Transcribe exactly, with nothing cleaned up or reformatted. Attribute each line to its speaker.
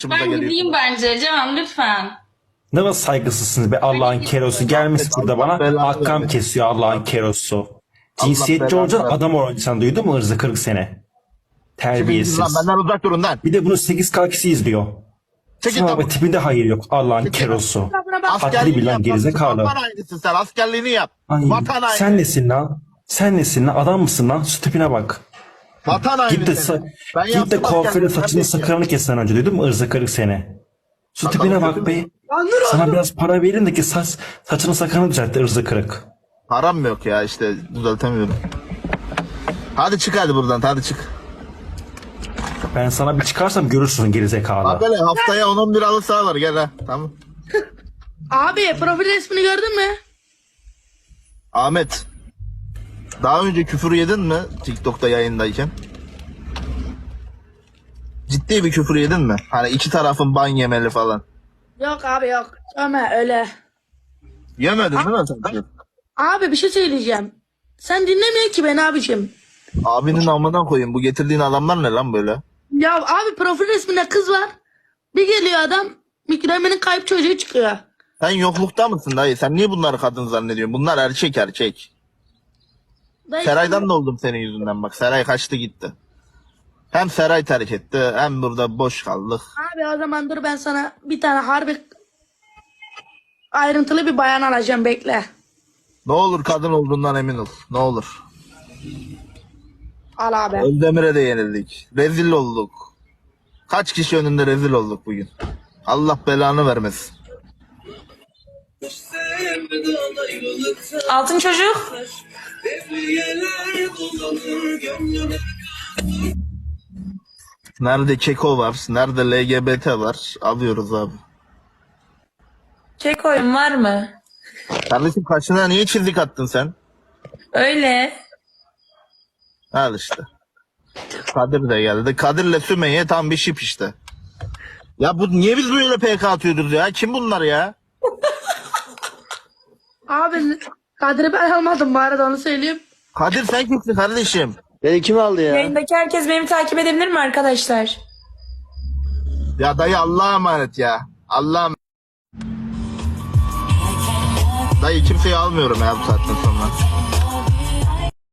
Speaker 1: Ben gideyim bence Can lütfen.
Speaker 2: Ne kadar saygısızsınız be Allah'ın kerosu. Gelmiş burada bana hakkam kesiyor Allah'ın kerosu. Cinsiyetçi olacaksın adam olacaksın, duydun mu ırzı kırk sene. Terbiyesiz.
Speaker 3: Lan benden uzak durun lan.
Speaker 2: Bir de bunu sekiz kalkisi izliyor.
Speaker 3: Çekil
Speaker 2: Sana
Speaker 3: lan.
Speaker 2: bak tipinde hayır yok Allah'ın kerosu. Hatiri bil lan gerizekalı.
Speaker 3: Vatan hainisin sen, askerliğini yap.
Speaker 2: Ay,
Speaker 3: Vatan haini.
Speaker 2: sen nesin lan? Sen nesin lan? Adam mısın lan? Şu tipine bak.
Speaker 3: Vatan haini.
Speaker 2: Git de,
Speaker 3: sen.
Speaker 2: sa-
Speaker 3: Ben
Speaker 2: git de
Speaker 3: yaptım
Speaker 2: kuaföre
Speaker 3: askerliğimi,
Speaker 2: saçını
Speaker 3: ben
Speaker 2: sakalını kessen önce, duydun mu ırzı kırık sene. Şu
Speaker 3: Bakalım
Speaker 2: tipine
Speaker 3: kötü
Speaker 2: bak
Speaker 3: mü?
Speaker 2: be. Sana biraz para verin de ki saç, saçını sakalını düzeltti ırzı kırık.
Speaker 3: Param mı yok ya, işte düzeltemiyorum. Hadi çık hadi buradan, hadi çık.
Speaker 2: Ben sana bir çıkarsam görürsün gerizekalı.
Speaker 3: Bak hele haftaya on on bir halı saha var, gel ha, tamam.
Speaker 4: Abi profil resmini gördün mü?
Speaker 3: Ahmet. Daha önce küfür yedin mi TikTok'ta yayındayken? Ciddi bir küfür yedin mi? Hani iki tarafın ban yemeli falan.
Speaker 4: Yok abi yok. Ömer öyle.
Speaker 3: Yemedin değil mi sen?
Speaker 4: Abi bir şey söyleyeceğim. Sen dinlemiyorsun ki beni abicim.
Speaker 3: Abinin amından koyayım, bu getirdiğin adamlar ne lan böyle?
Speaker 4: Ya abi profil resminde kız var. Bir geliyor adam. Mükremenin kayıp çocuğu çıkıyor.
Speaker 3: Sen yoklukta mısın dayı? Sen niye bunları kadın zannediyorsun? Bunlar erkek erkek.
Speaker 4: Dayı,
Speaker 3: Seray'dan da oldum senin yüzünden bak. Seray kaçtı gitti. Hem Seray terk etti hem burada boş kaldık.
Speaker 4: Abi o zaman dur ben sana bir tane harbi ayrıntılı bir bayan alacağım, bekle.
Speaker 3: Ne olur kadın olduğundan emin ol. Ne olur.
Speaker 4: Al abi.
Speaker 3: Özdemir'e de yenildik. Rezil olduk. Kaç kişi önünde rezil olduk bugün. Allah belanı vermesin.
Speaker 1: Altın çocuk.
Speaker 3: Nerede keko var, nerede L G B T var, alıyoruz abi.
Speaker 1: Çek oyun var mı?
Speaker 3: Kardeşim kaşına niye çizik attın sen?
Speaker 1: Öyle.
Speaker 3: Al işte. Kadir de geldi. Kadir'le Sümeyye tam bir şip işte. Ya bu niye biz böyle P K atıyoruz ya? Kim bunlar ya?
Speaker 4: Abi Kadir'i ben almadım bu arada, onu söyleyeyim.
Speaker 3: Kadir sen kimsin kardeşim?
Speaker 5: Beni kim aldı ya?
Speaker 1: Yayındaki herkes beni takip edebilir mi arkadaşlar?
Speaker 3: Ya dayı Allah'a emanet ya. Allah'a emanet. Dayı kimseyi almıyorum ya bu saatten sonra.